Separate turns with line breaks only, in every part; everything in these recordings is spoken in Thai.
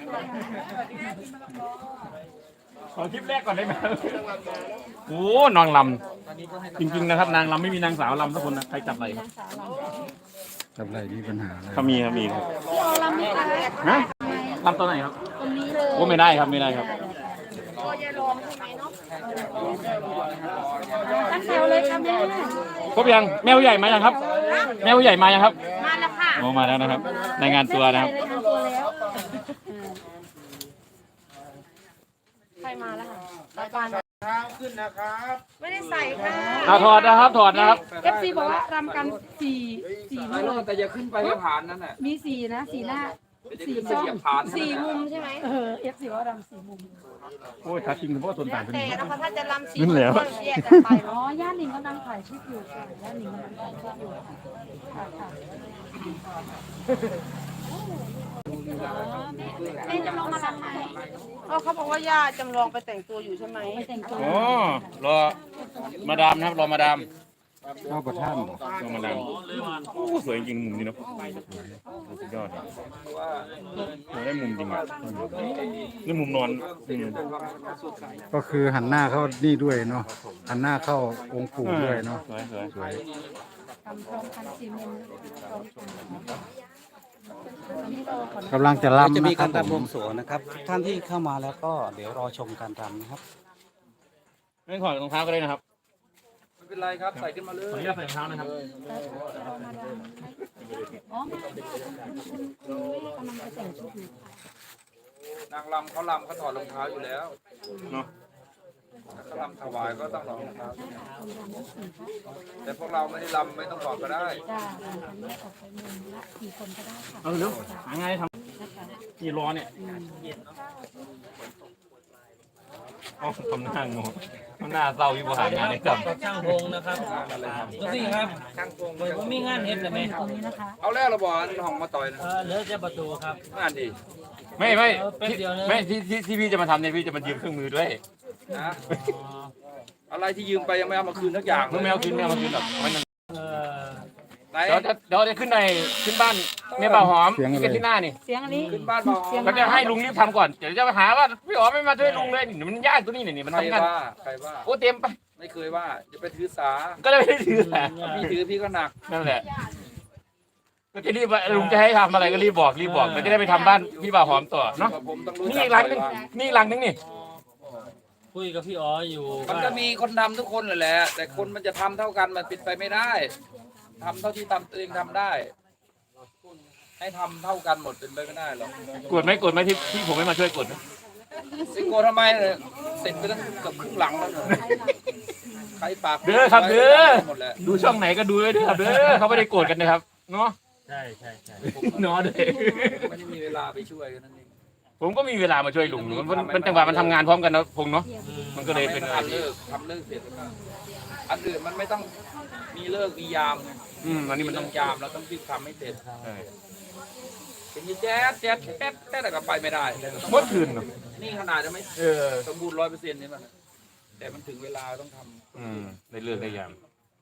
ขอคลิปแรกก่อนได้ไหมโอ้นางลำจริงๆนะครับนางลำไม่มีนางสาวลำทุกคนนะใครจับอะไรครับ
จับอะไรมีปัญหาอะไร
เขามีครับมีครับ
พี่ออลำไม่ได้
ฮะลำตัวไหนครับ
ตรงนี้เลย
โอ้ไม่ได้ครับไม่ได้ครับ
ก็ยายรองใช่ไหมเนาะตั้งแถวเลยค่ะแม่
ครบยังแมวใหญ่มายังครับ แมวใหญ่มายังครับ
มาแล้วค่ะ
โอ้มาแล้วนะครับรายงานตัวนะครับ
รายงานตัวแล้วใครมาแล้วค่ะตาปาน
เท้าขึ้นนะครับ
ไม่ได้ใส่ค่ะ
เอาถอดนะครับถอดนะครับ
FC บอกว่ารำกันสี่นี่เลย
แต่อย่าขึ้นไปไม่ผ่านนั่นแหละ
มีสี่นะสี่หน้าสี่
จะเหยียบผ่าน
สี่มุมใช่ไหมFC ว่ารำสี่มุม
โอ้ยถ้าจริงเฉพาะต้นตาลเป็น
แต่นะคะถ้าจะรำสี่
นั่นแหละ
ก็แยกกันไปอ๋อย่าหนิงกำลังถ่ายคลิปอยู่ค่ะย่าหนิงกำลังถ่ายคลิปอยู่ค่ะค่ะแม่จะลงมารับไหมเขาบอกว่าย่าจำลองไปแต่งตัวอยู่ใช่ไหมไปแต่งตัว
โอ้รอมาดามนะครับรอมาดาม
เข้าประท่านบอก
รอมาดามโอ้สวยจริงมุมนี้เนาะสุดยอดอะโอ้ได้มุมจริงอ่ะนี่มุมนอน
ก็คือหันหน้าเข้านี่ด้วยเนาะหันหน้าเข้าองค์ปู่ด้วยเนาะ
สวยสวยสวย
ทำพร้อมกันสี่มุมพร้อมกัน
กำลังจะ
เรา
รำ
จะมี
นะครั
กา
บ
ร
ผ
รำบว
ม
งสรวงนะครับทุกท่านที่เข้ามาแล้วก็เดี๋ยวรอชมการรำนะครับ
ไม่ถอดรองเท้าก็ได้นะครับ
ไม่เป็นไรครับใส่ขึ้นมาเลย
ขออนุญาตใส่รองเท้านะครับ
อ๋อไม่คุณแม่กำลังจะแต่งชุดอยู่
นางรำเขารำเขาถอดรองเท้าอยู่แล้ว
เนาะ
ถ้าเขารำถวายก็ต้องถอดรองเท้าแต่พวกเราไม่ได้รำไม่ต้องถอดก็ได้
จ้าทำแยกออกไปมุมละกี่คนก็ได้ค่ะ
เอาเร็วหาไงทำกี่ร้อนเนี่ยอ๋อทำหน้างงทำหน้าเศร้าอยู่บ่หางานเลยครับ
ช่างพงนะครับก็สิครับ
ช่างโกง
ผมมีงานเฮ็ดแต่ไหม
ตรงนี้นะคะ
เอาแล้วเราบอกห้องมาต่อยนะ
เหลือจะประตูครับ
งานดี
ไม่ที่พี่จะมาทำเนี่ยพี่จะมายืมเครื่องมือด้วย
นะอะไรที่ยืมไปยังไม่เอามาคืนทักอย่าง
เมื่อแมวกินแมวมากินหรอกมัน
เอ่อ
ไหน
เดี๋ยวจะขึ้นบ้านแม่บ่าวหอมที่กันที่หน้านี่
เสียงอันนี้
ขึ้นบ้านมา
ก็จะให้ลุงรีบทำก่อนเดี๋ยวจะมาหาว่าพี่อ๋อไม่มาช่วยลุงเลยนี่มันยากตัวนี้นี่มัน
ใคร
ทำงาน
ว่าใครว่า
โอ้เต็มไป
ไม่เคยว่าจะไปถือสา
ก็เลยไม่ได้ถือแหละ
พี่ถือพี่ก็หนัก
นั่นแหละก็จะรีบลุงจะให้ทำอะไรก็รีบบอกมันจะได้ไปทำบ้านพี่บ่าวหอมต่อเนาะ
ผมต้องรู้
นี่
จั
อี
ก
กหลังนึง
ใครว่า
นี่อีกหลังนึงนี่
คุยกับพี่อ๋ออยู่
มันก็มีคนทำทุกคนแหละ แต่คนมันจะทำเท่ากันมันเป็นไปไม่ได้ทำเท่าที่ทำตัวเองทำได้ ให้ทำเท่ากันหมดเป็นไปไม่ได้หรอก
กดไหมที่ผมไม่มาช่วยกดนะ
สิโกทำไมเนี่ยเสร็จไปตั้งเกือบครึ่งหลังแล้วเนี่ยใครปาก
เด้อครับเด้อ
หมดแล้ว
ดูช่องไหนก็ดูด้วยเด้อครับเด้อเขาไม่ได้โกรธกันนะครับเนาะ
ใช่ใช่ใช่
เนาะเด้อ
ไม่ได้มีเวลาไปช่วยกันนั่นเอง
ผมก็มีเวลามาช่วยลุงมันจังหวะมันทำงานพร้อมกันนะพงเนาะมันก็เลยเป็นอัน
ทำเลิกเสร็จอันอื่นมันไม่ต้องมีเลิกมียามไง
อันนี้
มั
มัน น
ต้
ต้
อ
อง ง
ยามเราต้องรีบทำให้เสร็จ
เออ
เป็นยี่แจ๊ดแต่ก็ไปไม่ได้แต่ก็ต้อง
เมื่อคืนเนาะ
นี่ขนาดจะไม่
เออ
สมบูรณ์100%นี่มันแต่มันถึงเวลาต้องทำ
ได้เลือกได้ยาม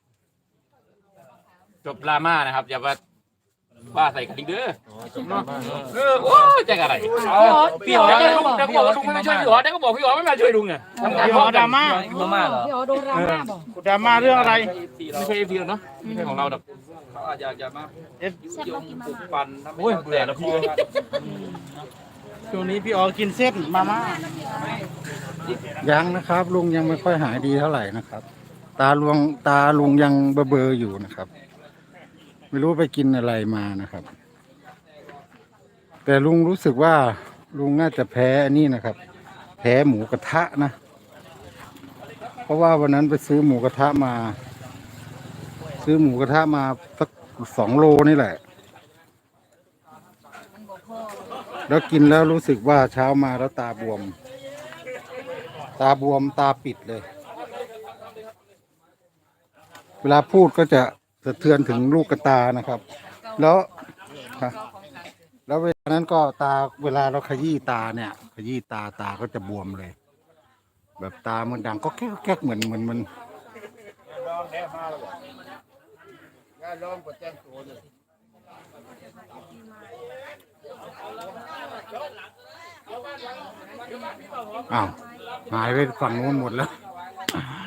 จบดราม่านะครับอย่าว่าใส่กันอีกเด้อเนาะโอ้ยใจอะไรพี่อ๋อเดี๋ยวก็บอกว่าลุงไม่มาช่วยพี่อ๋อเดี๋ยวก็บอกพี่อ๋อไม่มาช่วยลุงเนี่ยทำงานพร้อมดราม่า
มาม่าเหรอ
พี่อ๋อโดนดราม่าบอก
ดราม่าเรื่องอะไร
เรา
ไม่ใช่เอฟพีเนาะไม่ใช่ของเราดอก
เขาอาจจะมายุยงปลุกปั่นทำให้
โอ้ย
เรา
เบื่อแล้วพี่
ช่วงนี้พี่อ๋อกินเส้นมาม่ายังนะครับ ลุงยังไม่ค่อยหายดีเท่าไหร่นะครับ ตาลุงยังเบลอๆอยู่นะครับ ไม่รู้ไปกินอะไรมานะครับ แต่ลุงรู้สึกว่าลุงน่าจะแพ้อันนี้นะครับ แพ้หมูกระทะนะ เพราะว่าวันนั้นไปซื้อหมูกระทะมา สัก2 โลนี่แหละ แล้วกินแล้วรู้สึกว่าเช้ามาแล้วตาบวม ตาปิดเลย เวลาพูดก็จะสะเทือนถึงลูกกระตานะครับ แล้วเวลานั้นก็เวลาเราขยี้ตาเนี่ยขยี้ตาก็จะบวมเลย แบบตามันดังก็แก๊กเหมือนมันอ้าวหายไปฝั่งนู้นหมดแล้ว